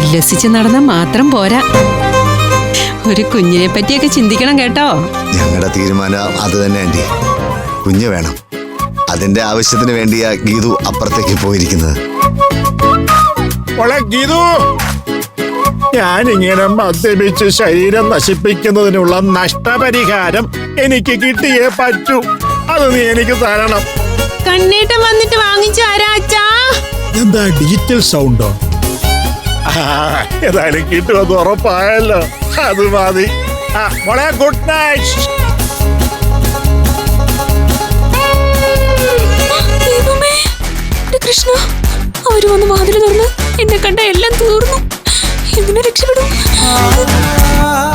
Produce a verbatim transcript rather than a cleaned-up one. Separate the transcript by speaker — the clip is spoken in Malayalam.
Speaker 1: ഉല്ലസിച്ച് നടന്ന മാത്രം പോരാ, ഒരു കുഞ്ഞിനെ പറ്റിയൊക്കെ ചിന്തിക്കണം കേട്ടോ.
Speaker 2: ഞങ്ങളുടെ തീരുമാനം അത് തന്നെ ആന്റി. കുഞ്ഞ് വേണം. അതിന്റെ ആവശ്യത്തിന് വേണ്ടിയാ ഗീതു അപ്പുറത്തേക്ക് പോയിരിക്കുന്നത്.
Speaker 3: ഗീതു, ഞാനിങ്ങനെ മദ്യപിച്ച് ശരീരം നശിപ്പിക്കുന്നതിനുള്ള നഷ്ടപരിഹാരം എനിക്ക് കിട്ടിയേ പറ്റൂ. അത് നീ എനിക്ക് തരണം.
Speaker 1: കണ്ണേട്ടം വന്നിട്ട് വാങ്ങിച്ചു ആരാച്ചാ.
Speaker 3: എന്താ ഡിജിറ്റൽ സൗണ്ടോ? ഏതായാലും കിട്ടുമെന്ന് ഉറപ്പായല്ലോ, അത് മതി. മോളെ ഗുഡ് നൈറ്റ്.
Speaker 4: കൃഷ്ണ, അവര് വന്ന് വാതിൽ തുറന്ന് എന്നെ കണ്ട എല്ലാം തീർന്നു. എങ്ങനെ രക്ഷപ്പെടും?